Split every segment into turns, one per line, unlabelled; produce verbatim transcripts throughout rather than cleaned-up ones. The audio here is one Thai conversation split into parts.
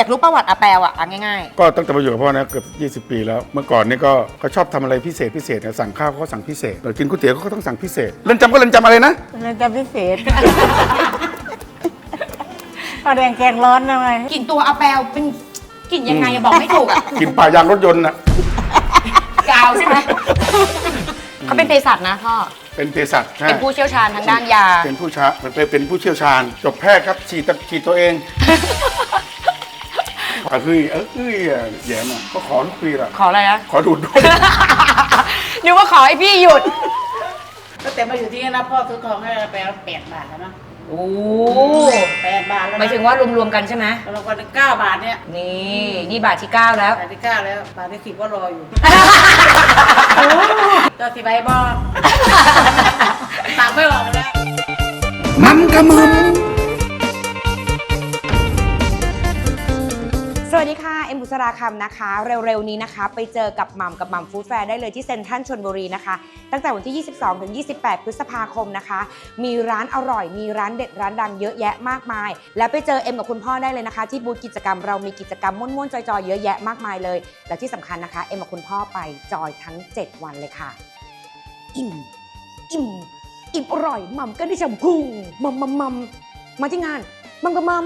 อยากรู้ประวัติอาแปลอ่ะง่าย
ๆก็ตั้งแต่มาอยู่กับพ่อนะเกือบยี่สิบปีแล้วเมื่อก่อนนี่ก็เขาชอบทำอะไรพิเศษพิเศษสั่งข้าวเขาสั่งพิเศษกินก๋วยเตี๋ยวเขาก็ต้องสั่งพิเศษเรือนจำก็เรือนจำอะไรนะ
เรือนจำพิเศษเอาแดงแกงร้อนทำไม
กลิ่นตัวอาแปลเป็นกลิ่นยังไงบอกไม่ถูกอ่ะ
กลิ่นป่ายางรถยนต์น่ะ
กาวใช่ไหมเขาเป็นเภสัชนะพ่อ
เป็นเภสัช
เป็นผู้เชี่ยวชาญทางด้านยา
เป็นผู้ชาเป็นเป็นผู้เชี่ยวชาญจบแพทย์ครับฉีดฉีดตัวเองก็คือเออคือแย่มาก็ขอทุกปีละ
ขออะไรนะ
ขอดูดด้วย
นึกว่าขอให้พี่หยุด
ตั้งแต่มาอยู่ที่นี่นะพ่อซื้อทองให้แปลแปดบาทแล้วนะ
โอ้
แปดบาทแล้ว
หมายถึงว่ารวมๆกันใช่ไหม
รวมกันเก้าบาทเนี่ย
นี่นี่บาทที่เก้าแล้ว
บาทที่เก้าแล้วบาทที่สิบก็รออยู่ตัวสิบใบบอตามไม่ออกแล้ว
มันกระมึม
สวัสดีค่ะเอ็มบุษราคำนะคะเร็วๆนี้นะคะไปเจอกับหม่ำกับหม่ำฟู้ดแฟร์ได้เลยที่เซ็นทรัลชลบุรีนะคะตั้งแต่วันที่ยี่สิบสองถึงยี่สิบแปดพฤษภาคมนะคะมีร้านอร่อยมีร้านเด็ดร้านดังเยอะแยะมากมายแล้วไปเจอเอ็มกับคุณพ่อได้เลยนะคะที่บูธกิจกรรมเรามีกิจกรรมม่วนๆจอยๆเยอะแยะมากมายเลยและที่สำคัญนะคะเอ็มกับคุณพ่อไปจอยทั้งเจ็ดวันเลยค่ะอิ่มอิ่มอิ่มอร่อยหม่ำก็ได้ชมพุงมัมมัมมัมมาที่งานมัมกับมัม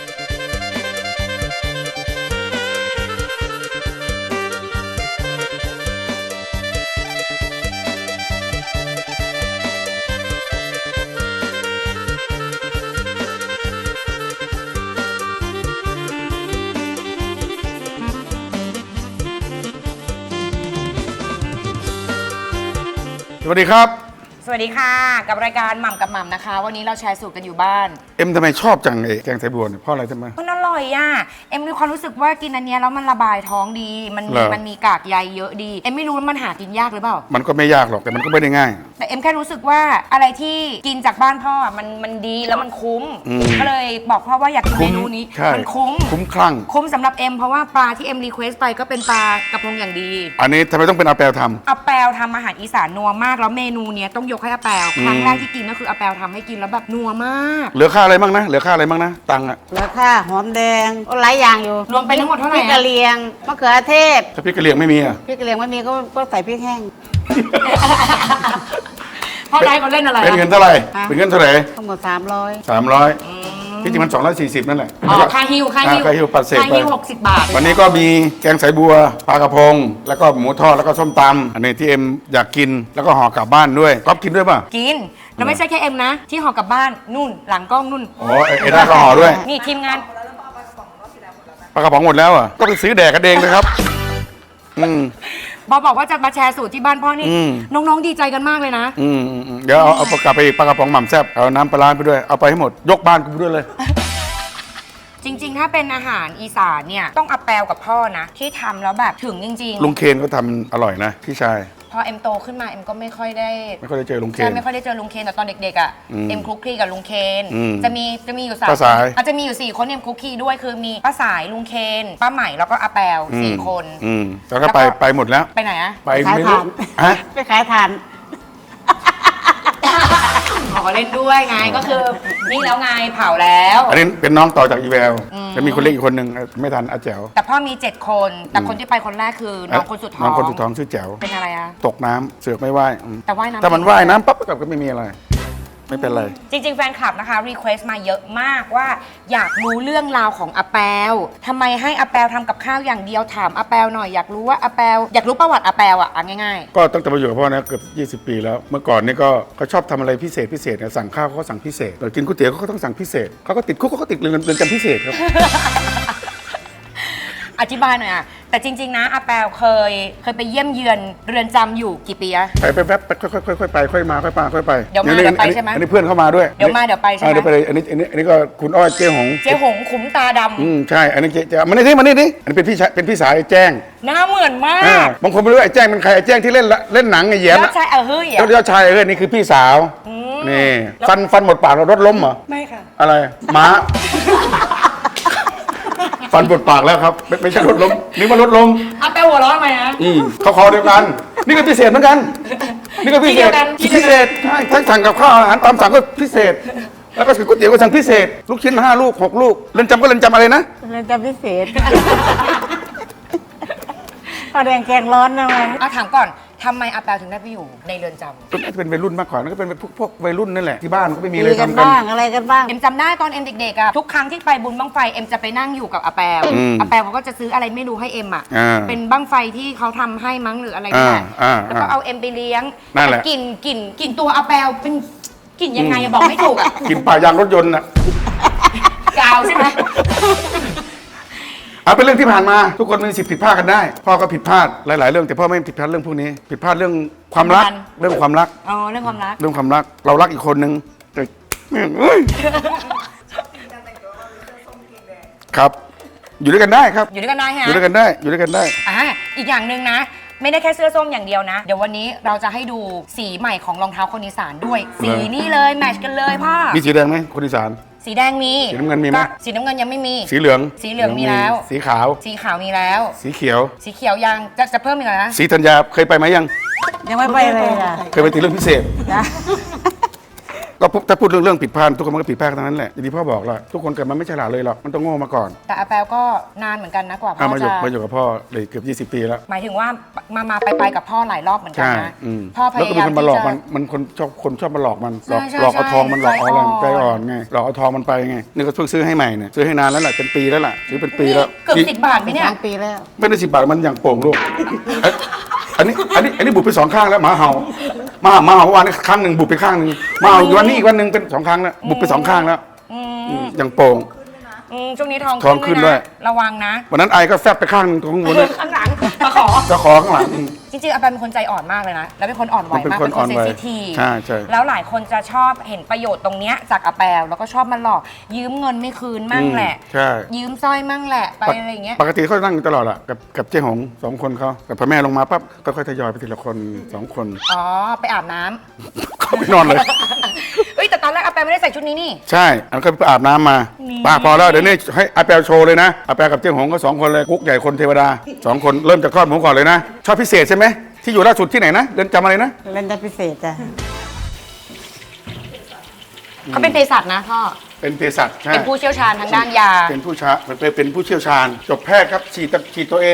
สวัสดีครับ
สวัสดีค่ะกับรายการหม่ำกับหม่ำนะคะวันนี้เราแชร์สูตรกันอยู่บ้าน
เอ็มทำไมชอบจังไอ้แกงไทบัวเนี่ยเพราะอะไรทำไม
มันอร่อยอ่ะเอ็มมีความรู้สึกว่ากินอันนี้แล้วมันระบายท้องดีมันมีมันมีกากใยเยอะดีเอ็มไม่รู้ว่ามันหากินยากหรือเปล่า
มันก็ไม่ยากหรอกแต่มันก็ไม่ได้ง่าย
แต่เอ็มแค่รู้สึกว่าอะไรที่กินจากบ้านพ่อมันมันดีแล้วมันคุ้มก็เลยบอกพ่อว่าอยากกินเมนูนี้มันคุ้ม
คุ้มคลั่ง
คุ้มสำหรับเอ็มเพราะว่าปลาที่เอ็มรีเควสไปก็เป็นปลากระพงอย่างดี
อันนี้ทำไมต้องเป็นอาแปลทำ
อาแปลทำอาหารอีสานนัวมากแล้วเมนูเนี้ยต้องยกให้อาแปลครั้งแรกที่กินก็คืออาแปลทำให้กินแล้วแบบนัวมาก
เหลือค่าอะไรบ้างนะเหลือค่าอะไรบ้างนะตังค์อะ
เหลือค่าหอมแดงหลายอย่างอยู่
รวมไปทั้งหมดเท่าไหร่
พริกกะเหรี่ยงมะเขือเทศ
ถ้าพริกกะเหรี่ยงไม่มีอะ
พริกกะเหรี่ยงไม่มีก็ก็ใส่พริกแห้ง
พ่อได้เขาเล่นอะไร
เป็นเงินเท่าไหร่เป็นเงินเท่าไหร่
ทั้งหมดสามร้อย
สามร้อยที่จริงมันสองร้อยสี่สิบนั่นแหละ
อ๋อค่าฮิวค่าฮิว
ค่าฮิวปัดเศษไป
ค่าฮิวหกสิบบาท
วันนี้ก็มีแกงสายบัวปลากระพงแล้วก็หมูทอดแล้วก็ส้มตำอันนี้ที่เอ็มอยากกินแล้วก็ห่อกลับบ้านด้วยก๊อฟกินด้วยป่ะ
กินแล้วไม่ใช่แค่เอ็มนะที่ห่อกลับบ้านนู่นหลังกล้องนู่น
อ๋อเอ็ด้าก็ห่อด้วย
นี่ทีมงาน
ปลากระป๋องหมดแล้วอ่ะก็ไปซื้อแดกกันเองเลยครับอืม
บอบอกว่าจะมาแชร์สูตรที่บ้านพ่อนี่น้องๆดีใจกันมากเลยนะ
อืมเดี๋ยวเอาเอากลับไปปลากระป๋องหม่ำแซ่บเอาน้ำปลาไปด้วยเอาไปให้หมดยกบ้านกูไปด้วยเลย
จริงๆถ้าเป็นอาหารอีสานเนี่ยต้องอาแปลกับพ่อนะที่ทำแล้วแบบถึงจริง
ๆลุงเคนก็ทำอร่อยนะพี่ชาย
พอเอ็มโตขึ้นมาเอ็มก็ไม่ค่อยได้
ไม่ค่อยได้เจอลุงเคน
ใช่ไม่ค่อยได้เจอลุงเคนแต่ตอนเด็กๆอ่ะเอ็มคลุกคลีกับลุงเคนจะมีจะมีอยู่สาม
ป้าสาย
อาจจะมีอยู่สี่คนเอ็มคลุกคลีด้วยคือมีป้าสายลุงเคนป้าใหม่แล้วก็อาแปลสี่คน
อืมแล้วก็ไปไปหมดแล้ว
ไปไหนอะ
ไปไม่รู้
ฮะไปขายทาน
ขอเล่นด้วยไงก็คือนี่แล้วไงเผาแล้ว
อันนี้เป็นน้องต่อจากอีแววจะมีคนเล็กอีกคนหนึ่งไม่ทันอาแจ๋ว
แต่พ่อมีเจ็ดคนแต่คนที่ไปคนแรกคือน้องคนสุดท้อง
น้องคนสุดท้องชื่อแจ๋ว
เป็นอะไรอะ
ตกน้ำเสือกไม่ว่าย
แต่ว่ายน้ำ
แต่มันว่ายน้ำปั๊บก็ไม่มีอะไรไม่เป็นไร
จริงๆแฟนคลับนะคะรีเควสต์มาเยอะมากว่าอยากรู้เรื่องราวของอาแปลทำไมให้อาแปลทำกับข้าวอย่างเดียวถามอาแปลหน่อยอยากรู้ว่าอาแปลอยากรู้ประวัติอาแปลอ่ะง่าย
ๆก็ตั้งแต่มาอยู่กับพ่อนะเกือบยี่สิบปีแล้วเมื่อก่อนนี่ก็เขาชอบทำอะไรพิเศษพิเศษสั่งข้าวเขาก็สั่งพิเศษกินก๋วยเตี๋ยวเขาก็ต้องสั่งพิเศษเขาก็ติดคุกเขาก็ติดเรือนจำพิเศษครับ
อธิบายหน่อยอ่ะแต่จริงๆนะอาแปลเคยเคยไปเยี่ยมเยือนเรือนจำอยู่กี่ปีอะ
ไปไปแป๊บค่อยๆค่อยๆไปค่อยมาค่อยมาค่อยไป
เดี๋ยวมาเดี๋ยวไปใช่ไหม
อันนี้เพื่อนเข้ามาด้วย
เดี๋ยวมาเดี๋ยวไปใช่ไหม
เดี๋ยวไปเลยอันนี้อันนี้อันนี้ก็คุณอ้อยเจ๊หง
เจ๊หงขุมตาดำ
อืมใช่อันนี้เจ๊มันนี่ที่มันนี่ดิอันนี้เป็นพี่เป็นพี่สาวไอ้แจ้ง
หน้าเหมือนมาก
บางคนไม่รู้ไอ้แจ้งเป็นใครไอ้แจ้งที่เล่นเล่นหนังไอ้แย้ม
ยอดชายเออเฮ้ย
ยอดชายเออนี่คือพี่สาวนี่ฟันฟันหมดปากเรารถล้มเหรอ
ไม่ค่ะ
อะไรม้าฟันปวดปากแล้วครับไม่ใช่รถล้มนี่มันรถล้ม
อาแปลหัวร้อนไหมฮะ
อืมเขาคอเดียวกันนี่ก็พิเศษเหมือนกันนี่ก็พิเศษพิเศษใช่ทั้งสั่งกับข้าวอาหารตามสั่งก็พิเศษแล้วก็ก๋วยเตี๋ยวก็สั่งพิเศษลูกชิ้นห้าลูกหกลูกเรือนจำก็เรือนจำอะไรนะ
เ
เรือนจำพิเศษ พอแดงแกงร้อนนะมั้ย
เอาถามก่อนทำไมอาแปลถึงได้ไปอยู่ในเรือนจำ
ก็น่าจะเป็นวัยรุ่นมากกว่านั่นก็เป็นพวกพวกวัยรุ่นนั่นแหละที่บ้านก็ไม่มีอะไร
ตีกัน
ทำกัน
บ้างอะไรกันบ้าง
เอ็มจำได้ตอนเอ็มเด็กๆอะทุกครั้งที่ไปบุญบั้งไฟเอ็มจะไปนั่งอยู่กับอาแปล
อืม
อาแปลเขาก็จะซื้ออะไรไม่รู้ให้เอ็มอะ
อ่า
เป็นบั้งไฟที่เขาทำให้มั้งหรืออะไรนี่แหละ
อ่าอ่า
แล้วก็เอาเอ็มไปเลี้ยง
นั่นแหละ
กลิ่นกลิ่นกลิ่นตัวอาแปลเป็นกลิ่นยังไงอะบอกไม่ถูกอะ
กินป่ายางรถยนต์น่ะ
กาวใช่ไหม
เอาเป็นเรื่องที่ผ่านมาทุกคนมีสิทธิ์ผิดพลาดกันได้ พ่อก็ผิดพลาดหลาย ๆ เรื่องแต่พ่อไม่ผิดพลาดเรื่องพวกนี้ ผิดพลาดเรื่องความรัก เรื่องความรัก
อ๋อเรื่องความรัก
เรื่องความรัก เรารักอีกคนนึงแต่แม่งเอ้ยครับ อยู่ด้วยกันได้ครับ
อยู่ด้วยกันได้ฮะ
อยู่ด้วยกันได้ อยู่ด้วยกันได้
อ่าอีกอย่างหนึ่งนะ ไม่ได้แค่เสื้อส้มอย่างเดียวนะ เดี๋ยววันนี้เราจะให้ดูสีใหม่ของรองเท้าคนอีสานด้วย สีนี่เลยแมทช์กันเลยพ่อ
มีสีแดงไหมคนอีสาน
สีแดงมี
สีน้ำเงินมีไหม
ก็สีน้ำเงินยังไม่มี
สีเหลือง
สีเหลืองมีแล้ว
สีขาว
สีขาวมีแล้ว
สีเขียว
สีเขียวยังจะจะเพิ่มอีกเหรอนะ
สีธัญญาเคยไปไหมยัง
ยังไม่ไปเลยจ้ะ
เคยไปติดเรื่องพิเศษ
จ้ะ
ก็พูดถ้าพูดเรื่องเรื่องผิดพลาดทุกคนมันก็ผิดพลาดทั้งนั้นแหละอย่างที่พ่อบอกแหละทุกคนเกิดมาไม่ฉลาดเลยหรอกมันต้องโง่มาก่อน
แต่อาแปลก็นานเหมือนกันนะกว่าพ่
อ่ะ
อ
มาอยู่
จะ
มาอยู่กับพ่อเลยเกือบยี่สิบปีแล้ว
หมายถึงว่ามามาไปไปกับพ่อหลายรอบเหมือนกัน
ใช่
นะ
อืม
พ่อพ
แล้วก็
ยา
มี
ยาม
คนมาหลอก
ที่จะ
มันมันคนชอบคนชอบมาหลอกมันหลอก
ใช่ใช่
หลอกเอาทองมันหลอกเอาอะไร
ใจ
ใจ
อ่
อ่
อ
อน นไงหลอกเอาทองมันไปไงนี่ก็เพิ่งซื้อให้ใหม่เนี่ยซื้อให้นานแล้วแหละเป็นปีแล้วล่ะซื้อเป็นปีแล้ว
เกือบ
นี่
สิบบาทไหมเนี่ย
สองปีแล้ว
ไม่ได้สิบบาทมันอย่างโป่งลูกเอ้ยอันนี้อันนี้อันนี้บุบไปสองข้างแล้วหมาเห่าหมาหมาเห่าวันนี้ข้างหนึ่งบุบไปข้างหนึ่งหมาเห่าอีกวันนี้อีกวันหนึ่งเป็นสองครั้งแล้วบุบไปสองข้างแล้ว
อื
อื
ม
มอย่างโป่ง
อืมช่วงนี้ทอง
ทองขึ้นด้วย
ระวังนะ
วันนั้นไอก็แฟบไปข้างหนึ่งตรงบนเลย
ข้างหลังมาขอ
จะขอข้างหลังอืม
จริงๆอาแปลเป็นคนใจอ่อนมากเลยนะ แล้วเป็นคนอ่อนไหว
มันเป็น
มาก
คน
เป็นค
อ่อน น
เซ
ไห
น
ว
ซิทีฟ
ใช่ใช่
แล้วหลายคนจะชอบเห็นประโยชน์ตรงเนี้ยจากอาแปลแล้วก็ชอบมาหลอก ยืมเงินไม่คืนมั่งแหละ
อืมใช่
ยืมสร้อยมั่งแหละไปอะไรอย่างเงี้ย
ปกติเขานั่งอยู่ตลอดอะกับกับเจ๊หงสองคนเขาแต่พอแม่ลงมาปั๊บก็ค่อยทยอยไปทีละคนสองคน
อ๋อไปอาบน้ำ
เขาไปนอนเลย
เอ้ยแต่ตอนแรกอาแปลไม่ได้ใส่ชุดนี้นี่
ใช่อันนก็ไปอาบน้ำมา
นี่
ป้าพอแล้วเดี๋ยวนี้ให้อาแปลโชว์เลยนะอาแปลกับเจ๊หงก็สองคนเลยกุ๊กใหญ่คนเทวดาสองคนเริ่มจากคลอดหมูก่อนเลยนะชอบพิเศษใช่ไหมที่อยู่ล่าสุดที่ไหนนะเรือนจำอะไรนะ
เรือนจำพิเศษจ้ะ
เขาเป็นเภสัชนะพ่อ
เป็นเภสัชใช่
เป็นผู้เชี่ยวชาญทางด้านยา
เป็นผู้ชาเป็นเป็นผู้เชี่ยวชาญ จบแพทย์ครับฉีดตะฉีดตัวเอง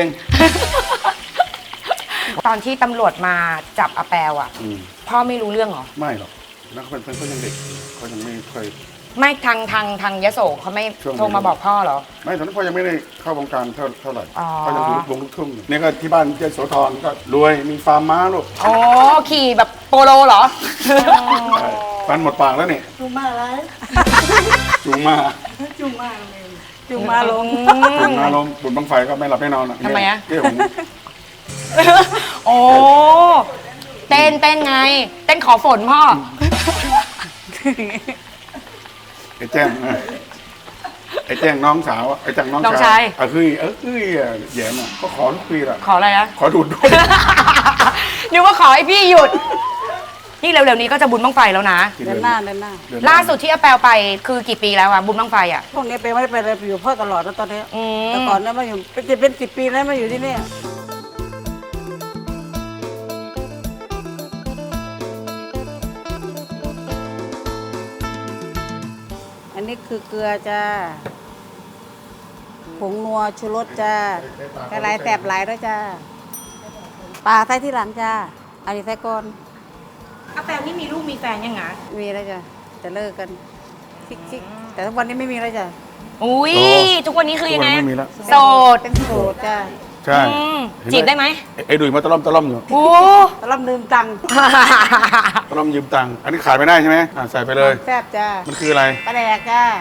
ตอนที่ตำรวจมาจับอาแปลอ่ะ
อืม
พ่อไม่รู้เรื่องเหรอ
ไม่หรอกนะเขาเป็นเขายังเด็กเขายังไม่เคย
ไม่ทางทางทางยโสเขาไม่
ช่วงนี้
โทรมาบอกพ่อเหรอ
ไม่ตอนนั้นพ่อยังไม่ได้เข้าวงการเท่าเท่าไหร่
อ๋อ
เขายังอยู่วงลูกทุ่งอยู่นี่ก็ที่บ้านเจ๊โสธรก็รวยมีฟาร์มม้าลูก
อ๋อขี่แบบโปโลเหรอ
ใช่ฟันหมดปากแล้วนี่
จุงมาอะไร
จูงมา
จุงมาเลยจุงมาลง
จูงมาลมบุญบังไฟก็ไม่หลับไม่นอนอ่ะ
ทำไมอะ
เจ๊หง
โอ้เต้นเต้นไง เต้นขอฝนพ่อ
ไอ้แจ้งนะไอ้แจ้งน้องสาวไอ้แจ้งน้อง
น้อง
ชา
ชาย ย
เออคือเออคือแย่น่ะก็ขอทุกปีละ
ขออะไรนะ
ขอดูดด้วย
นึกว่าขอให้พี่หยุด นี่เร็วๆนี้ก็จะบุญบังไฟแล้วนะ
เดินหน้าเดินหน้า
เอน
ล่าสุดที่อาแปลไปคือกี่ปีแล้วอะบุญบังไฟอะ
พวกนี้ไปไม่ได้ไปเลยไปอยู่พ่อตลอดแล้วตอนนี้
อืม
แต่ก่อนเนี่ยมาอยู่เป็นจะเป็นสิบปีแล้วมาอยู่ที่นี่อันนี้คือเกลือจ้าผงนัวชูรสจ้ากระไรแสบหลายด้วยจ้าปลาใส่ที่หลังจ้าอันนี้ใส่ก่อน
อาแปลนี่มีลูกมีแฟนยังไง
มีแล้วจ้ะจะเลิกกันชิกๆแต่ทุกวันนี้ไม่มีแล้วจ้ะ
อุ้ยทุกวันนี้คือยังไง
ทุกวันไม่มีแล้ว
โสด
เป็นโสดจ้ะ
ใช่
อืม
เห็นห
จีบได้ไหม
ไอ้ไอ้ดุยมาตะล่อมตะล่อมอยู่
โอ้
ตะล่อมลืมตังค์
ตะล่อมยืมตังค์อันนี้ขายไม่ได้ใช่ไหมอ่ะใส่ไปเลย
แซ่บจ้า
มันคืออะไร
ปลาแดกจ้า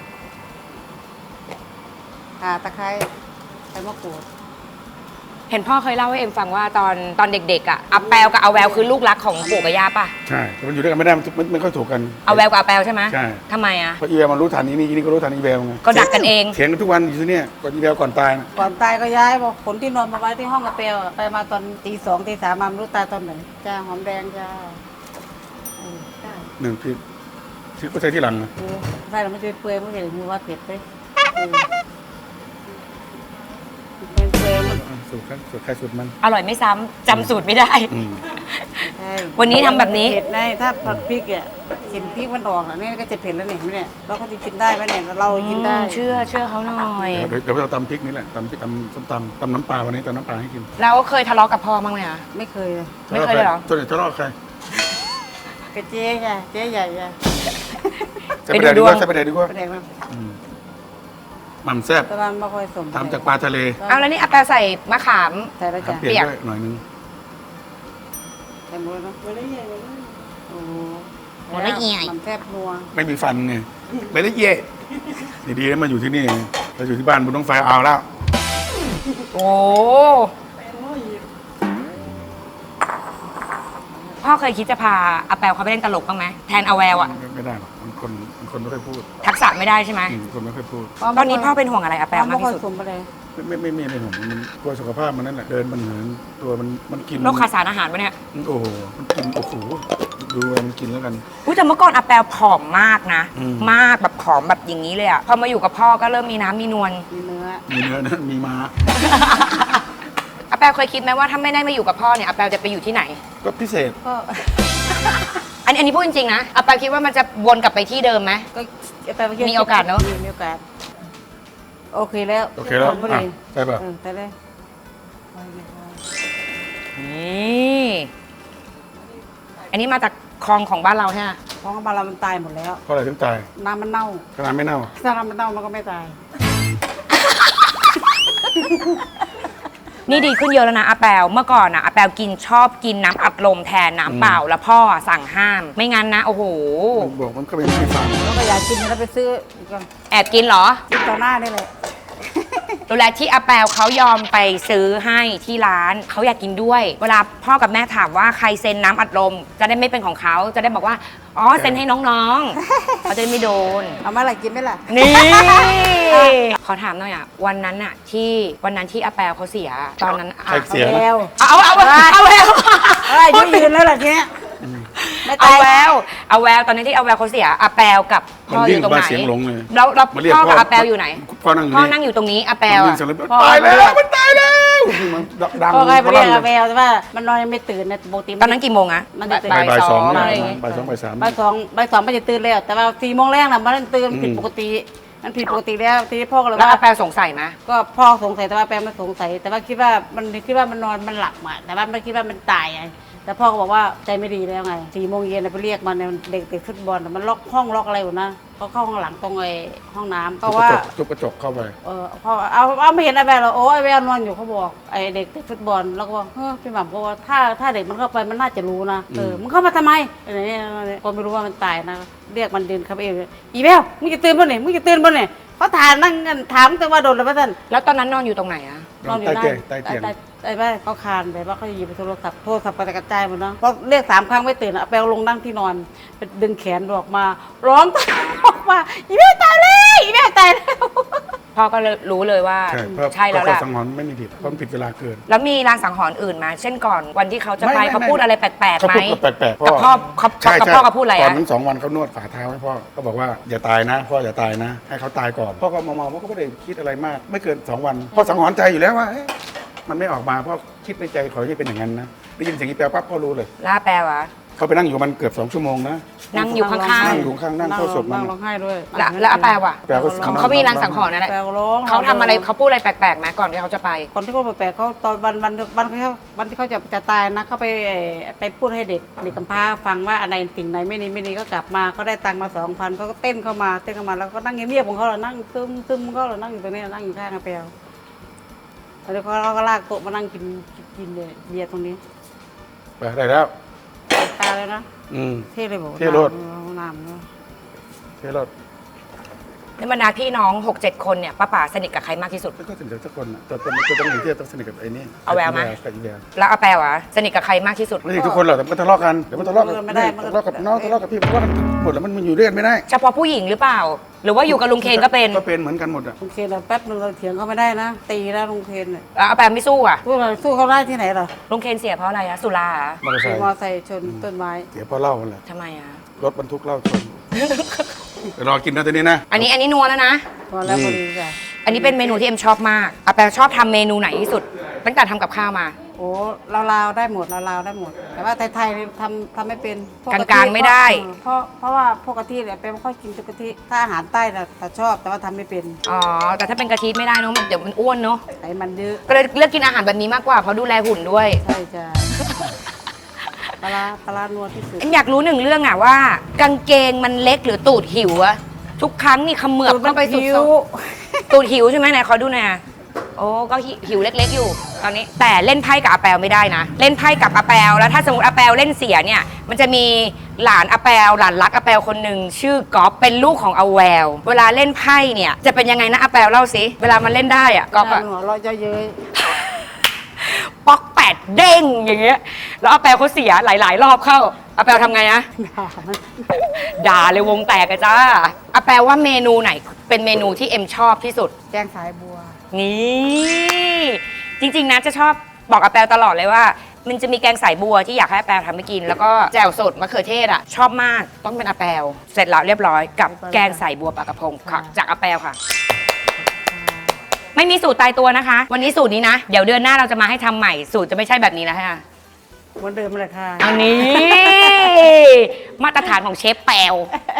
ข่าตะไคร้ใบมะกรูด
เห็นพ่อเคยเล่าให้เอ็มฟังว่าตอนตอนเด็กๆอ่ะอาแปลกับอาแววคือลูกรักของปู่กับย่าป่ะ
ใช่แต่มันอยู่ด้วยกันไม่ได้มันมันไม่ค่อยถูกกัน
อาแววกับอาแปลใช่ไหม
ใช่
ทำไมอ่ะ
เพราะอีเวลมันรู้ทันนี้นี่นี่ก็รู้ทันอีเวลไง
ก็ดักกันเอง
เถียงกันทุกวันอยู่ที่เนี่ยก่อนอีเวลก่อนตายนะ
ก่อนตายก็ย้ายบอกขนที่นอนมาไว้ที่ห้องกระเปลอะไปมาตอนตีสองตีสามมาไม่รู้ตายตอนไหนจ้าหอมแดงจ้าเออจ้า
หนึ่งพี่ที่ก็ใช้ที่หลังนะ
เออได้แล้วมันจะเปื่อยมันจะมือว่าเผ็ดไปเออเปื่อยๆมัน
สูตรครับสูตรใครสูตรมัน
อร่อยไม่ซ้ำจำสูตรไม่ได้
อืม
ใช่
วันนี้ทำแบบนี้
เผ็ดได้ถ้าผัดพริกอ่ะกินพริกมันออกอ่ะนี่ก็จะเผ็ดแล้วเนี่ยไม่เนี่ยเราก็จะกินได้ไหมเนี่ยเรากินได้
เชื่อเชื่อเขาหน่อย
เดี๋ยวเดี๋ยวเราตำพริกนี่แหละตำพริกตำส้มตำตำน้ำปลาวันนี้ตำน้ำปลาให้กิน
แล้วเคยทะเลาะกับพ่อบ้างไหมคะ
ไม่เคยเลย
ไม่เคยเลยเหรอ
ส่วนใหญ่ทะเลาะกับใคร
กระเจ๊ไงเจ๊ใหญ่ไง
ใส่ไปแดกดีกว่าใส่ไปแดกดีกว่า
แสดงว่า
อืมหม่ำแซ่บ
ตะวันไม่ค่อยสม
ทำจากปลาทะเล
เอาแล้วนี่อาแปใส่มะขาม
ใส่แล้ว
ครั
จ้ะ
บเปลี่ยนด้วยหน่อยนึง
ใส่หมดแล้วเนาะไม่ได้ใหญ่เลยโอ้โห
หมดละเอียด
มันแทบนัว
ไม่มีฟันไงไม่ได้เย่ดีๆนะมาอยู่ที่นี่เราอยู่ที่บ้านบุญต้องไฟเอาแล้ว
โอ้พ่อเคยคิดจะพาอาแปวเขาไปเล่นตลกบ้างไหมแทนอาแววอะ
ไม่ได้หรอกมันคนมันคนไม่ค่อยพูด
ทักษะไม่ได้ใช่ไหม
อืมคนไม่ค่อยพูด
ตอนนี้พ่อเป็นห่วงอะไรอาแปวมาก
ไม่ค่อย
ที่สุด
สมไปเลย
ไม่ไม่ไม่ไม่ไม่ผมมันกลัวสุขภาพมันนั่นแหละเดินมันเหินตัวมันมันกิน
โรคขาดสารอาหารปะเนี่ย
โอ้โหมันกินโอ้โหดูว่ามันกินแล้วกัน
อุ้ยแต่เมื่อก่อนอาแปวผอมมากนะ
อืม
มากแบบผอมแบบอย่างนี้เลยอะพอมาอยู่กับพ่อก็เริ่มมีน้ำมีนวล
มีเนื้อ
มีเนื้อนะมีม้า
อาแปวเคยคิดไหมว่าถ้าไม่ได้มาอยู่กับพ่อเนี่ยอาแปวจะไปอยู่ที่ไหน
ก็พิเศษ
ก็
อันอันนี้พูดจริงๆนะอาแปวคิดว่ามันจะวนกลับไปที่เดิมไหม
ก็ไปเมื่
มีโอกาสเนอะ
มีมีโอกาสโอเคแล้ว
โอเคแล้ว
พอ
อ่ะ
ดี
ใช่ป่ะ
เออแต่เลย
นี่อันนี้มาจากคลองของบ้านเราใช่ไหม
เพราะว่าบารามันตายหมดแล้ว
เพราะอะไรถึงตาย
น้ำมันเน่า
ขนาดไม่เน่า
ถ้าน้ำมันเน่ามันก็ไม่ตาย
นี่ดีขึ้นเยอะแล้วนะอาแปวเมื่อก่อนอะอาแปวกินชอบกินน้ำอัดลมแทนน้ำเปล่า แล้วพ่ออะสั่งห้าม ไม่งั้นนะโอ้โห
มันบอกมันก็ไม่ไม่ฟัง
แล้วก็อยากกินแล้วไปซื้ออีกก่อน
แอบกินเหรอ
กินต่อหน้าได้เลย
ดูแลที่อาแปวเขายอมไปซื้อให้ที่ร้านเขาอยากกินด้วย เวลาพ่อกับแม่ถามว่าใครเซ็นน้ำอัดลม จะได้ไม่เป็นของเขาจะได้บอกว่าอ๋อเซ็นให้น้องๆเขาจะได้ไม่โดน
เอามาอะไรกินไหมล่ะ
นี่ ขอถามหน่อยอ่ะวันนั้นอ่ะที่วันนั้นที่อาแปวเขาเสีย ตอนนั้นอะ
ใครเสีย
แว
นะ
ว
เอาเอาเอาเอาแวว
เอ้ยยืนยืนแล้วล่ะทีเนี้ยไม่
เอา
ตาย
แววเอาแววตอนนั้นที่เอาแววเขาเสียอาแปวกับ
มั
พ่
น
ออ
วิ่ง
ยู่ตรง
มา
ไหน
เสียงหลงเลย
แล้วแล้ว
มาเรียก
พ่อ
พ่
กับ
อ
อาแปวอยู่ไหน
พ่อนั่งอยู่
พ่อ
นี่
นั่งอยู่ตรงนี้อาแปว
มันวิ่
อะ
งเสร็จแล้ว
พ่อ
ตายแล้วมันตายแล้วมันดัง
พ่อใครไปเรียก
ลั่
อาแววแต่ว่ามันนอนยังไม่ตื่นนะปกติ
ตอนนั้นกี่โมงอะ
มันจะตื่น
บ่ายบ่ายสอง
อะไรอย่างงี้
บ่ายสองบ่ายสาม
บ่ายสองบ่ายสองมันจะตื่นแล้ว แต่ว่าสี่โมงแรกน่ะมันตื่น
อืม
ผิดปกติ มันผิดปกติแล้วทีนี้พ่อก็เลย
แล้ว
ว่า
อาแปวสงสัยไหม
ก็พ่อสงสัยแต่ว่าแปลไม่สงสัย แต่ว่าคิดว่ามันคิดว่ามันนอนมันหลับอ่ะแต่ว่าไม่คิดว่ามันตายไงแต่พ่อก็บอกว่าใจไม่ดีแล้วไงสี่โมงเย็นน่ะไปเรียกมันเนี่ยเด็กเด็กฟุตบอลน่ะมันล็อกห้องล็อกอะไรอยู่นะเขาเข้าห้องหลังตรงไอ้ห้องน้ำก็ว่า
ทุบกระจกเข้าไป
เออพ่อเอาเอาไม่เห็นไอ้แววหรอกโอ้ไอ้แววนอนอยู่เขาบอกไอ้เด็กเตะฟุตบอลแล้วก็บอกเฮ้ยพี่หม่ำก็ว่าถ้าถ้าเด็กมันเข้าไปมันน่าจะรู้นะเออมันเข้ามาทำไมอะไรเนี่ยก็ไม่รู้ว่ามันตายนะเรียกมันเดินเข้าไปเองอีแววมึงจะตื่นบ่เนี่ยมึงจะตื่นบ่เนี่ยเขาถามนั่งกันถามแต่ว่าโดนแล้วป่ะท่าน
แล้วตอนนั้นนอนอยู่ตรงไหนอะ
นอนใต้เตียงใต้เตียง
ไอ้แม่เขาคานไปว่าเขาหยิบโทรศัพท์โทรศัพท์กระจายหมดเนาะพอเรียกสามครั้งไม่ตื่นอะเอาไปเอาลงนั่งที่นอนไปดึงแขนออกมา ร้องออกมาอีแม่ตายเลยอีแม่ตายแล้ว
พ่อก็เลยรู้เลยว่า
ใช่เพราะ
ใช่แล้ว
เพ
แห
ราะ
ละ
สังหรณ์ไม่มีผิดเพราะมันผิดเวลาเกิน
แล้วมีรางสังหรณ์อื่นมาเช่นก่อนวันที่เขาจะไป
ไม่ไม่
เขาพูดอะไรแปลกๆ
เขา
ไหม
พูดแปลกๆพ่อ
กับพ่อเขา
ใช่
กับ
ใช่
พ่อเขาพูดอะไร
ก่อ
อะ
นนั้นสองวันเขานวดฝ่าเท้าให้พ่อก็บอกว่าอย่าตายนะพ่ออย่าตายนะ ให้เขาตายก่อนพ่อก็มองๆพ่อก็ไม่ได้คิดอะไรมาก ไม่เกินสองวันพ่อสังหรณ์ใจอยู่แล้วว่าเอ๊ะมันไม่ออกมาพ่อคิดในใจขอให้เป็นอย่างนั้นนะได้ยินเสียงอีแปลปั๊บพ่อรู้เลย
ล่าแปลวะ
เขาไปนั่งอยู่มันเกือบสองชั่วโมงนะ
นั่งอยู่ข้าง
นั่งอยู่ข้างนั่งเข้าศพมัน
นั่งร้องไห้ด้วย
ๆแล้วแล้วอาแปลวะ
แปลว่า
เขาเขามีรางสังหรณ์อะไร
แปลว่าร้อง
เขาทำอะไรเขาพูดอะไรแปลกๆไหมก่อนที่เขาจะไป
คนที่เขาแปลกๆเขาตอนวันวันวันเขาวันที่เขาจะจะตายนะเขาไปไปพูดให้เด็กเด็กกำพร้าฟังว่าอะไรสิ่งไหนไม่ดีไม่ดีก็กลับมาก็ได้ตังค์มาสองพันเขาก็เต้นเข้ามาเต้นเข้ามาแล้วก็นั่งเงียบๆของเขาเหรอนั่งซึมซึมเขาเหรอนั่งอยู่ตรงนี้นั่งอยู่ข้างกระเปลแล้วเขาเราก็ลากโต๊ะมานั่งกินกินเบียร์ตรงนี้
ไปได้แล้ว
ตายเลยนะ
อืม
เท่เลยบอก
เท่โลด
น้ำเนอะ
เท่รถ
ในบรรดาพี่น้อง หกเจ็ด คนเนี่ยป้าป๋าสนิทกับใครมากที่สุด
แล้วก็สนิทกับทุกคนน่ะแต่แต่แต่ต้องอยู่ที่ต้องสนิทกับไอ้นี่
เอาแววไหม
กับอีแวว
แล้วอาแปลวะสนิทกับใครมากที่สุด
ไม่ใช่ทุกคนหรอกแต่มันก็ทะเลาะกันเดี๋ยวมันทะเลาะกับแม่ทะเลาะกับน้องทะเลาะกับพี่เพราะว่ามันหมดแล้วมันมันอยู่ด้วยกันไม่ได้
เฉพาะผู้หญิงหรือเปล่า หรือว่าอยู่กับลุงเคนก็เป็น
ก็เป็นเหมือนกันหมดอ่ะ
ลุงเคนอะแป๊บนึงเราเถียงเขาไม่ได้นะ ตีนะลุงเคนเนี่ย
แล้วอาแปลไม่สู้อ่ะ
สู้อะไรสู้เขาได้ที่ไหนล่ะ
ลุงเคนเสียเพราะอะไรอะสุราเหรอ
มอเตอร์ไซ
ขี่
ค์
มอไซค์ชนต้นไม้
เสียเพราะเหล้ามันแหละ
ทำไมอะ
รถบรรทุกเหล้าชนเดี๋ยวรอกินนะตัวนี้นะ
อันนี้อันนี้นัวแล้วนะ
พอแล้วพอดีจ้ะ
อันนี้เป็นเมนูที่เอ็มชอบมากอาแปลชอบทำเมนูไหนที่สุด
ต
ตั้งแต่ทำกับข้าวมา
โอ้ลาวๆได้หมดลาวๆได้หมด แต่ว่าไทยๆนี่ทำทำไม่เป็นพว
กลางๆไม่ได้
เพราะเพราะว่าพวกกะทิเนี่ยเป็นไม่ค่อยกินกะทิถ้าอาหารใต้น่ะแต่ชอบแต่ว่าทำไม่เป็น
อ๋อแต่ถ้าเป็นกะทิไม่ได้เนอะมันเดี๋ยวมันอ้วนเนอะ
ไขมันเยอะ
ก็เลยเลือกกินอาหารแบบนี้มากกว่าเพราะดูแลหุ่นด้วย
ใช่จ้ะปลาร้าปลาร้านัวที่สุด
เอ็มอยากรู้หนึ่งเรื่องอะว่า กางเกงมันเล็กหรือตูดหิวอะทุกครั้งนี่เขมือบเข้าไปสุด
หิว
ๆตูดหิวใช่ไหมไหนขอดูหน่อยอะโอ้ก็หิหิวเล็กๆอยู่ตอนนี้ แต่เล่นไพ่กับอาแปลไม่ได้นะ เล่นไพ่กับอาแปลแล้วถ้าสมมติอาแปลเล่นเสียเนี่ยมันจะมีหลานอาแปลหลานรักอาแปลคนหนึ่งชื่อก๊อฟเป็นลูกของอาแววเวลาเล่นไพ่เนี่ยจะเป็นยังไงนะอาแปลเล่าสิเวลามันเล่นได้อะก๊อฟอะ
หัวเราะเยอะเย้ย
ป๊อกแปดเด้งอย่างเงี้ยแล้วอาแปลเขาเสียหลาย ๆ รอบเข้าอาแปลทำไงนะ
ด่ามัน
ด่าเลยวงแตกกันจ้าอาแปลว่าเมนูไหนเป็นเมนูที่เอ็มชอบที่สุด
แกงสายบัว
นี่จริงๆนะจะชอบบอกอาแปลตลอดเลยว่า มันจะมีแกงสายบัวที่อยากให้อาแปลทำให้กิน แล้วก็แจ่วสดมะเขือเทศอ่ะชอบมากต้องเป็นอาแปลเสร็จแล้วเรียบร้อยกับแกงสายบัวปลากระพงค่ะจากอาแปลค่ะ ไม่มีสูตรตายตัวนะคะ วันนี้สูตรนี้นะ เดี๋ยวเดือนหน้าเราจะมาให้ทำใหม่สูตรจะไม่ใช่แบบนี้แล้วค่ะ
เหมือนเดิมเลยค่ะ
อันนี้ มาตรฐานของเชฟแปล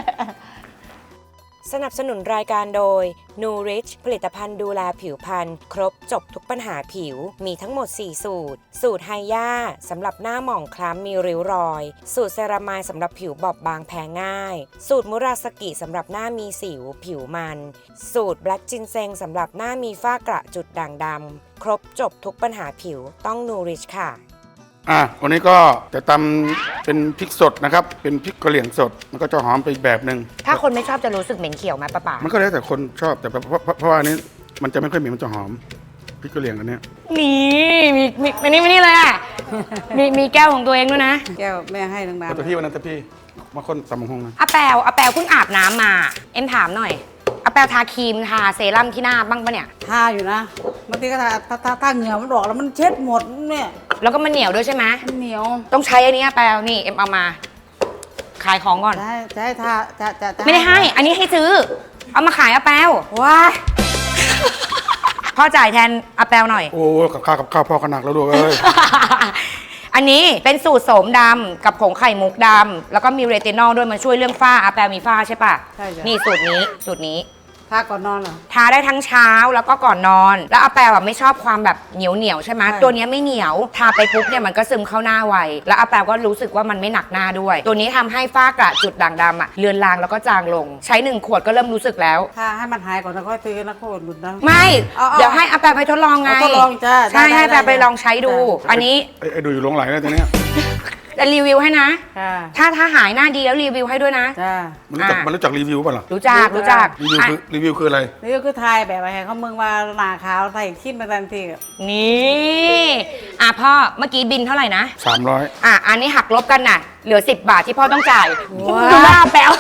สนับสนุนรายการโดย นูริช ผลิตภัณฑ์ดูแลผิวพรรณครบจบทุกปัญหาผิว มีทั้งหมด สี่ สูตร สูตรไฮย่าสำหรับหน้าหมองคล้ำมีริ้วรอย สูตรเซรามายสำหรับผิวบอบบางแพ้ง่าย สูตรมุราสกิสำหรับหน้ามีสิวผิวมัน สูตรแบล็กจินเซงสำหรับหน้ามีฝ้ากระจุดด่างดำครบจบทุกปัญหาผิวต้องนูริชค่ะ
อ่ะวันนี้ก็จะตำเป็นพริกสดนะครับ เป็นพริกกะเหรี่ยงสด มันก็จะหอมไปอีกแบบหนึ่ง
ถ้าคนไม่ชอบจะรู้สึกเหม็นเขียวไหมป้าป๋า
มันก็แล้วแต่คนชอบแต่เพราะเพราะเพราะว่าอันนี้มันจะไม่ค่อยเหม็นมันจะหอมพริกกะเหรี่ยงอันเนี้ย
นี่มีมีมานี่มานี่เลยอ่ะ มีมีแก้วของตัวเองด้วยนะ
แก้วแม่ให้นาง
เอาแต่
น้ำ
พี่วันนั้นแต่พี่มาคนตำบักหงนะ
อาแปลอาแปลเพิ่งอาบน้ำมา เอ็มถามหน่อยอาแปลทาครีมทาเซรั่มที่หน้าบ้างปะเนี่ย
ทาอยู่นะบางทีก็ทาถ้าถ้าถ้าเหงื่อมันออกแล้วมันเช็ดหมดเนี่ย
แล้วก็มันเหนียวด้วยใช่ไหม
มันเหนียว
ต้องใช้อันนี้อาแปลนี่เอ็มเอามา ขายของก่อน
จะให้จะให้ทาจะจะจะ
ไม่ได้ให้ อันนี้ให้ซื้อ เอามาขายอาแปล
ว้าย
พ่อจ่ายแทนอาแปลหน่อย
โอ้กับข้าวกับข้าวพ่อก็หนักแล้วด้วยเอ้ย
อันนี้เป็นสูตรโสมดำกับผงไข่มุกดำแล้วก็มีเรตินอลด้วยมันช่วยเรื่องฝ้าอาแปลมีฝ้าใช่ปะ
ใช่จ้ะ
นี่สูตรนี้สูตรนี้
ทาก่อนนอนเหรอ
ทาได้ทั้งเช้าแล้วก็ก่อนนอน แล้วอาแปลแบบไม่ชอบความแบบเหนียวเหนียวๆใช่ไหม
ใช่
ตัวเนี้ยไม่เหนียว ทาไปปุ๊บเนี่ยมันก็ซึมเข้าหน้าไว แล้วอาแปลก็รู้สึกว่ามันไม่หนักหน้าด้วย ตัวนี้ทำให้ฝ้ากระจุดด่างดำอะเลือนลางแล้วก็จางลง ใช้หนึ่งขวดก็เริ่มรู้สึกแล้ว
ถ้าให้มันหายก่อนแล้วค่อยซื้อนะโคตรหลุดนะ
ไม่
เอาเอา
เดี๋ยวให้อาแปลไปทดลองไง
เอาทดลองจ้ะ
ใช่
ได้
ให้อาแปล
ได้
ไปลองใช้ดู
ได้
อันนี้
ไอ้ไอ้ดูอยู่หลงไหลแล้วตัวเนี้ย
จะรีวิวให้นะ
ค่ะ
ถ้าถ้าหายหน้าดีแล้วรีวิวให้ด้วยนะ
จ้า
มันรู้จัก
อ่ะ
มันรู้จักรีวิวป่ะล่ะ
รู้จักรู้จัก
รีวิว
อ่ะ
คือรีวิวคืออะไร
นี่ก็คือทายแบบอะไรเขามึงว่าหนาขาวใส่ขี้มาทันที
นี่อ่ะพ่อเมื่อกี้บินเท่าไหร่นะ
สามร้อย
อ่ะ อันนี้หักลบกันน่ะ เหลือ สิบบาทที่พ่อต้องจ่าย
ว้าว
ดูหน้าแปลว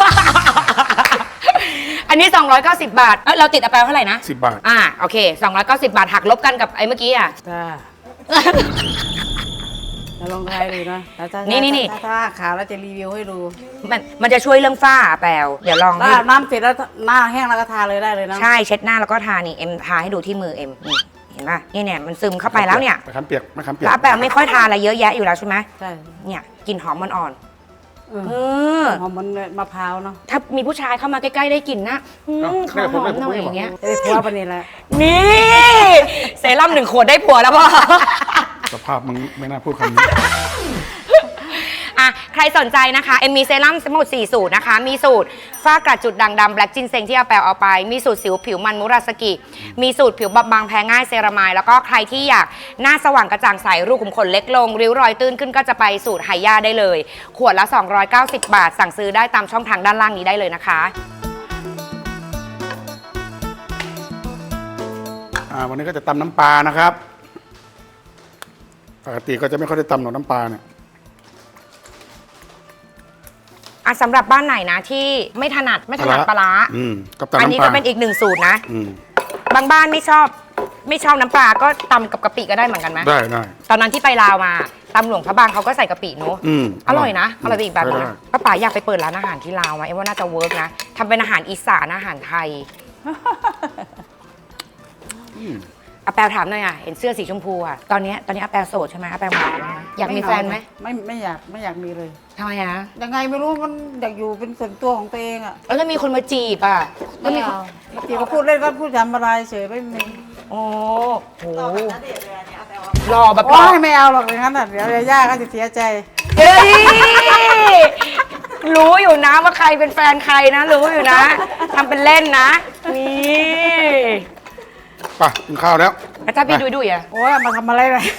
อันนี้ สองร้อยเก้าสิบบาท เอ้ยเราติดอาแปลเท่าไหร่นะ
สิบบาท
อ่ะโอเค สองร้อยเก้าสิบบาทหักลบกันกับไอ้เมื่อกี้อ่ะ
จ้าจะลองทายดูนะถ้าถ้า
นี่นี่นี่
ถ้าถ้าขาวแล้วจะรีวิวให้ดู
มันมันจะช่วยเรื่องฝ้าอาแปลวเดี๋ยวลอง
ถ้า
ให้
อาบน้ำเสร็จแล้วหน้าแห้งแล้วก็ทาเลยได้เลยนะ
ใช่เช็ดหน้าแล้วก็ทานี่เอ็มทาให้ดูที่มือเอ็มนี่เห็นป่ะนี่เนี่ยมันซึมเข้าไปแล้วเนี่ย
มะขามเปียกมะขามเปีย
แล้
ก
วอาแปลไม่ค่อยทาอะไรเยอะแยะอยู่แล้วใช่ไหม
ใช่
เนี่ยกลิ่นหอมมันอ่อน
เออ
เออ
หอมมันมะพร้าวเนาะ
ถ้ามีผู้ชายเข้ามาใกล้ๆได้กลิ่นนะอืมขอหอมหน่อยอย่างเงี้ย
จะได้ผัวปะนี่แหละ
นี่เซรั่มหนึ่งขวดได้ผัวแล้วพ่อ
สภาพมึงไม่น่าพูดคำนี้
อ่ะใครสนใจนะคะเอ็มมีเซรั่มทั้งหมดสี่สูตรนะคะ มีสูตรฝ้ากระจุดด่างดำแบล็กจินเซงที่อาแปลเอาไป มีสูตรสิวผิวมันมุราสกิ มีสูตรผิวบอบบางแพ้ง่ายเซรามายแล้วก็ใครที่อยากหน้าสว่างกระจ่างใสรูขุมขนเล็กลง ริ้วรอยตื้นขึ้นก็จะไปสูตรไฮย่าได้เลย ขวดละ สองร้อยเก้าสิบบาท สั่งซื้อได้ตามช่องทางด้านล่างนี้ได้เลยนะคะ
อ่าวันนี้ก็จะตำน้ำปลานะครับปกติก็จะไม่ค่อยได้ตำหรอกน้ำปลาเนี่ย
อ่ะสำหรับบ้านไหนนะที่ไม่ถนัดไม่ถนัดปลาร้า
อืมกับตำ
อัน
น้ำ
นี้
ปลา
ก็เป็นอีกหนึ่งสูตรนะ
อืม
บางบ้านไม่ชอบไม่ชอบน้ำปลาก็ตำกับกะปิก็ได้เหมือนกันไหม
ได้ได้
ตอนนั้นที่ไปลาวมาตำหลวงพระบางเขาก็ใส่กะปิเนอะ
อืม
อร่อยนะอร่อยไปอีกแบบนึง
ได้
นะป้าป๋าอยากไปเปิดร้านอาหารที่ลาวไหมเอ็มว่าน่าจะเวิร์กนะทำเป็นอาหารอีสานอาหารไทย
อืม
อาแปลถามหน่อยอ่ะเห็นเสื้อสีชมพูอ่ะตอนเนี้ยตอนนี้อาแปลโสดใช่ไหมอาแปลหมายไหมอยากมีแฟนไหม
ไม่ไม่อยากไม่อยากมีเลย
ทำไมอ่ะ
ยังไงไม่รู้มันอยากอยู่เป็นส่วนตัวของตัวเองอ่ะ
แล้วถ้ามีคนมาจีบอ่ะแล้วมีคน
จีก็พูดเล่นก็พูดจำอะไรเฉยไม่มี
โอ้โหรอแบบร
โอ้
อย
ไม่เอาหรอกอย่างนั้นอ่ะเดี๋ยวยาย่าก็จะเสียใจ
เฮ้ยรู้อยู่นะว่าใครเป็นแฟนใครนะ รู้อยู่นะทำเป็นเล่นนะนี่
ไปกินข้าวแล้ว
แล้วถ้าพี่ดุยดุยอ่ะ
โอ้ยเอามาทำอะไรเลย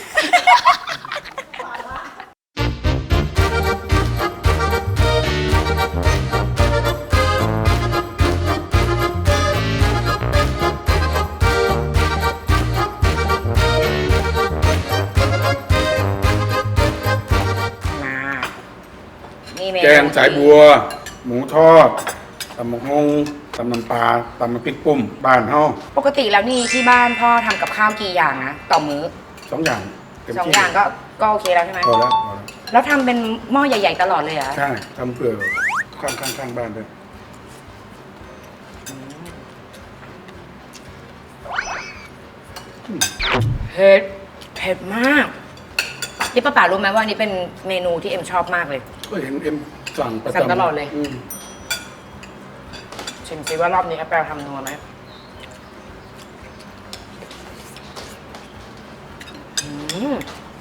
มานี่เมนู
แกงสายบัว หมูทอดตำหมกงงตำน้ำปลาตำน้ำพริกปุ่มบ้านเฮา
ปกติแล้วนี่ที่บ้านพ่อทำกับข้าวกี่อย่างนะต่อมื้อ
สองอย่างเต็ม
สอง
ที่
อย่างก็ก็โอเคแล้วใช่ไหม
พอแล้วพอแล้ว
แล้วทำเป็นหม้อใหญ่ ๆ ตลอดเลยเหรอ
ใช่ทำเพื่อข้างข้างข้างบ้านด้วย
เผ็ดเผ็ดมากที่ป้าป๋ารู้ไหมว่านี่เป็นเมนูที่เอ็มชอบมากเลย
ก็เห็นเอ็มสั่งประจำ
สั่งตลอดเลย
ม
ชิมซิว่ารอบนี้แอปเปิลทำนัวไหมอืม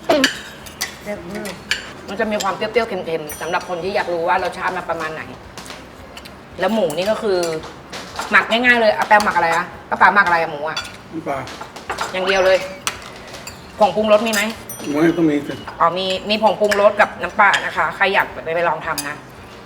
มันจะมีความเปรี้ยวๆเค็มๆสำหรับคนที่อยากรู้ว่ารสชาติมันประมาณไหน แล้วหมูนี่ก็คือ หมักง่ายๆเลยอาแปลหมักอะไรอะป้าป๋าหมักอะไรอะหมูอะ
น้ำปลา
อย่างเดียวเลย ผงปรุงรสมีไหม
หมูให้ต้องมีสิ
อ๋อมีมีผงปรุงรสกับน้ำปลานะคะ ใครอยากไปไปลองทำนะ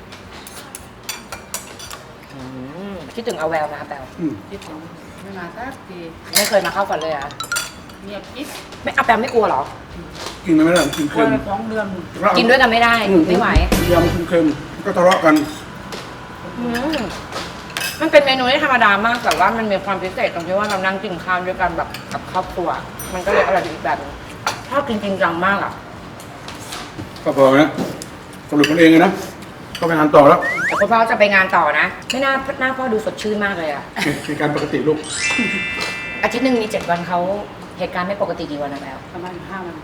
อืมคิดถึงเอาแววนะอาแปล
อืม
ที่ผมไม่มาสักที
ไม่เคยมาเข้าฝันเลยเหรอะ
เงียบกิ๊บ
ไม่อาแปลไม่กลัวเหรอ
กินไม่ได้กิน
กลั
เค็
ว
ม
ไปสองเดือน
กินด้วยกันไม่ได้
อื
ไม่ไหวย
ำเค็มๆก็ทะเลาะกัน
อืมมันเป็นเมนูที่ธรรมดามากแต่ว่ามันมีความพิเศษตรงที่ว่าเรานั่งกินข้าวด้วยกันแบบกับครอบครัว มันก็เลยอร่อยอีกแบบนึงชอบกินจริงจังมากอ่ะ
ก็พอนะสรุปมันเองเลยนะก็ไปงานต่อแล้ว
แต่คุณพ่อจะไปงานต่อนะ ไม่น่าหน้าพ่อดูสดชื่นมากเลยอ่ะ
เป็นการปกติลูก
อาทิตย์หนึ่งมีเจ็ดวันเขาเหตุการณ์ไม่ปกติกี่วันนะแล้ว
ประมาณห้าวัน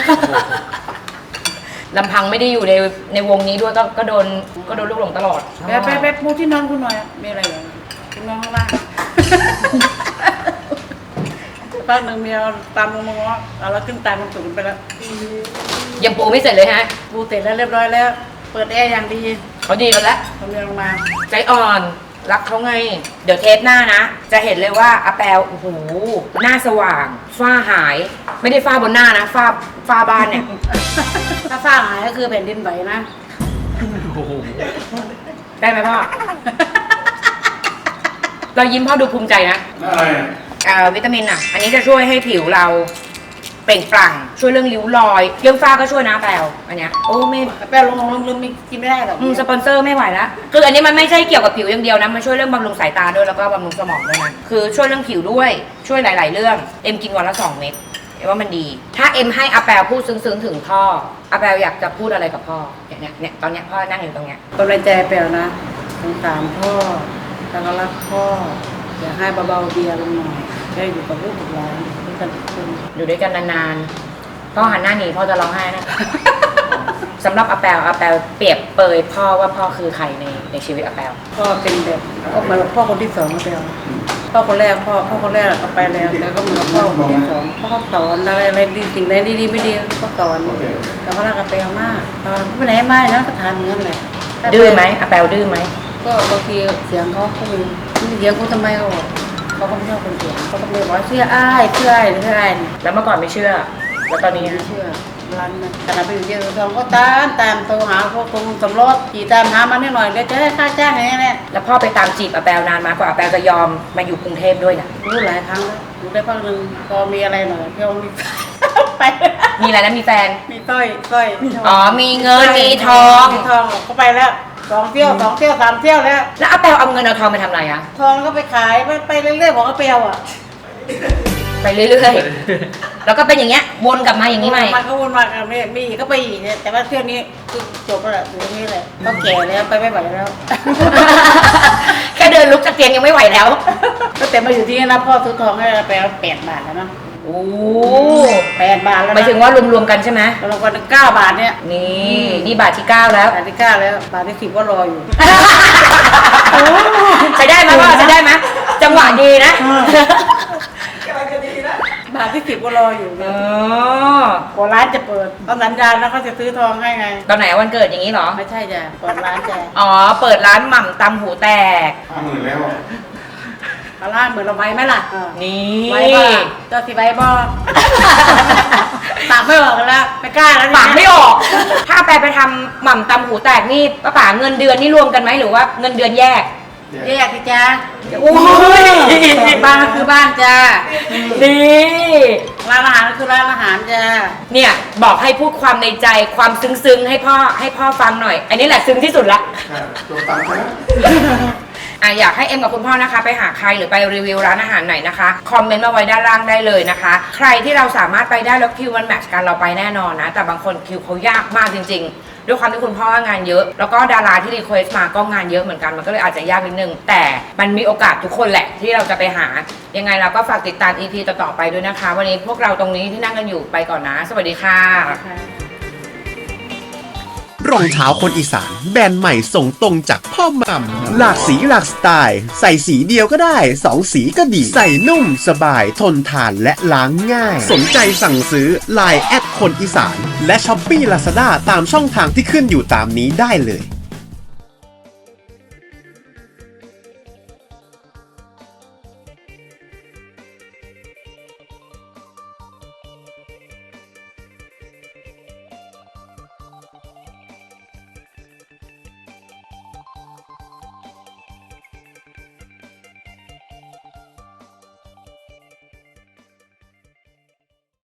ลำพังไม่ได้อยู่ในในวงนี้ด้วยก็ก็โดนก็โดนลูกหลงตลอด
ไปไปไปปูที่นอนคุณหน่อยมีอะไรอย่างคุณนอนข้างล่างพักหนึ่งเมียตามลงมาว่าเอาแล้วขึ้นตามมันตุ่นไปแล้ว
ยังปูไม่เสร็จเลยฮะ
ปูเสร็จแล้วเรียบร้อยแล้ว เปิดแอร์อย่างดี
เขาดีกันแล้ว
ทำเมียลงมา
ใจอ่อนรักเขาไง เดี๋ยวเทปหน้านะ จะเห็นเลยว่าอาแปลโอ้โหหน้าสว่าง ฝ้าหาย ไม่ได้ฝ้าบนหน้านะ ฝ้าฝ้าบ้านเนี่ย
ถ้าฝ้าหายก็คือแผ่นดินไหวนะ
ได้ไหมพ่อ เรายิ้มพ่อดูภูมิใจนะ
อะไรอ่ะ
เอ่อวิตามินอ่ะ อันนี้จะช่วยให้ผิวเราเปล่งปลั่ง ช่วยเรื่องริ้วรอย เรื่องฝ้าก็ช่วยนะแปลอันเนี้ยโอ้ไม่
แป้งลงลงลืมมีกินไม่ได้หรอก
อืมสปอนเซอร์ไม่ไหวแล้วคืออันนี้มันไม่ใช่เกี่ยวกับผิวอย่างเดียวนะ มันช่วยเรื่องบำรุงสายตาด้วยแล้วก็บำรุงสมองด้วยนะ คือช่วยเรื่องผิวด้วย ช่วยหลาย ๆ เรื่อง เอ็มกินวันละสองเม็ดเอ็มว่ามันดี ถ้าเอ็มให้อาแปลพูดซึ้ง ๆ ถึงพ่ออาแปลอยากจะพูดอะไรกับพ่อ เนี่ยเนี่ยเนี่ยตอนเนี้ยพ่อนั่งอยู่ตรงเนี้ย
กำลังใจแปลวนะสงสารพ่อแล้วก็รักพ่ออยากให้เบาๆเบียร์ลงหน่อยได้อยู่กับลูกกับหลานด้วยกันทุกคน
อยู่ด้วยกันนานๆ พ่อหันหน้าหนีพ่อจะร้องไห้นะ สำหรับอาแปลอาแปลเปรียบเปรยพ่อว่าพ่อคือใครในในชีวิตอาแปล
พ่อเป็นแบบก็เหมือนพ่อคนที่สองแปลวพ่อคนแรกพ่อพ่อคนแรกเอาไปแล้วแล้วก็เหมือนพ่อคนที่สองพ่อเขาสอนอะไรอะไรดีสิ่งใดดีๆไม่ดีก็สอนแต่เขารักอาแปลมากตอนไม่ไหนไม่นะก็ทานเหมือนกันแหละ
ดื้อไหมอาแปลดื้อไหม
ก็บางทีเสียงเขาเขามีมีเสียงเขาทำไมเขาบอกเขาก็ไม่ชอบคนเสียงเขาก็เลยบอกว่าเชื่ออ้ายเชื่ออ้ายหรือเชื่ออ้าย
แล้วเมื่อก่อนไม่เชื่อ แล้วตอนนี้
ไม่เชื่อร้านนั้นขณะไปอยู่เยอะทองก็ตามตามโทรหาพวกกรมสำรวจขี่ตามหามานิดหน่อยเดี๋ยวจะได้ค่าจ้างอย่างนี้แหละ
แล้วพ่อไปตามจีบอาแปลนานมากกว่าอาแปลจะยอมมาอยู่กรุงเทพด้วยนะ
รู้หลายครั้งแล้วรู้ได้พักหนึ่งพอมีอะไรหน่อยเที่ยวมี ไป
มีอะไรนะมีแฟน
มีสร้อยสร้อย
อ๋อมีเงินมีทอง
มีทองก็ไปแล้วสองเที่ยวสองเที่ยวสามเที่ยวแล้ว
แล้วอาแปลเอาเงินเอาทองไปทำอะไรอะ
ทองแล้วก็ไปขายไปไปเรื่อยๆบอกว่าเปรียวอ่ะ
ไปเรื่อยๆ แล้วก็เป็นอย่างเงี้ยวนกลับมาอย่างนี้ใหม่
มันก็วนมากันมีอีกก็ไปอีกเนี่ยแต่ว่าเที่ยวนี้คือจบแล้วแหละอยู่ตรงนี้เลยก็แก่แล้วไปไม่ไหวแล้ว
แค่เดินลุกจากเตียงยังไม่ไหวแล้ว
ตั้งแต่มาอยู่ที่นี่นะพ่อซื้อทองให้ไปแปดบาทแล้วเนาะ
โอ้
แปดบาทแล้ว
หมายถึงว่ารวมๆกันใช่ไหม
เราวันเก้าบาทเนี่ย
นี่นี่บาทที่เก้าแล้ว
บาทที่เก้าแล้วบาทที่สิบก็รออยู่
ใช้ได้ไหมว่าใช้ได้ไหมจังหวะดีนะ
บาทที่สิบก็รออยู่
อ๋อ
พอร้านจะเปิดตอนสัญญาณแล้วเขาจะซื้อทองให้ไง
ตอนไหนวันเกิดอย่างนี้เหรอ
ไม่ใช่จ้ะเปิดร้านจ้ะ
อ๋อ เปิดร้านหม่ำตำหูแตก
ห้าหมื่นแล้ว
มาร้านเหมือนเราไว้ไหมล่ะเออ
นี่
ไว้บ่เจ้าสิไว้บ่ ปากไม่ออกแล้วไม่กล้าแล้วเนี่ย
ปากไม่ออก ถ้าแปลไปทำหม่ำตำหูแตกนี่ป้าป๋าเงินเดือนนี่รวมกันไหมหรือว่าเงินเดือนแยก
แยกสิจ้า
โอ้ย
บ้านก็คือบ้านจ้า
นี่
ร้านอาหารก็คือร้านอาหารจ้า
เนี่ยบอกให้พูดความในใจความซึ้งๆให้พ่อให้พ่อฟังหน่อย อันนี้แหละซึ้งที่สุดละ
ตัวตังค์ใช่ไหม
อ่ะอยากให้เอ็มกับคุณพ่อนะคะ ไปหาใครหรือไปรีวิวร้านอาหารไหนนะคะคอมเมนต์มาไว้ด้านล่างได้เลยนะคะ ใครที่เราสามารถไปได้แล้วคิวมันแมทช์กันเราไปแน่นอนนะแต่บางคนคิวเขายากมากจริงๆด้วยความที่คุณพ่องานเยอะ แล้วก็ดาราที่รีเควสต์มาก็งานเยอะเหมือนกันมันก็เลยอาจจะยากนิดนึงแต่มันมีโอกาสทุกคนแหละที่เราจะไปหายังไงเราก็ฝากติดตาม อี พี ต่อๆไปด้วยนะคะ วันนี้พวกเราตรงนี้ที่นั่งกันอยู่ไปก่อนนะสวัสดีค่ะ
รองเท้าคนอีสานแบรนด์ใหม่ส่งตรงจากพ่อหม่ำหลากสีหลากสไตล์ ใส่สีเดียวก็ได้สองสีก็ดี ใส่นุ่มสบายทนทานและล้างง่าย สนใจสั่งซื้อ ไลน์ แอดคนอีสาน และช้อปปี้ลาซาด้าตามช่องทางที่ขึ้นอยู่ตามนี้ได้เลย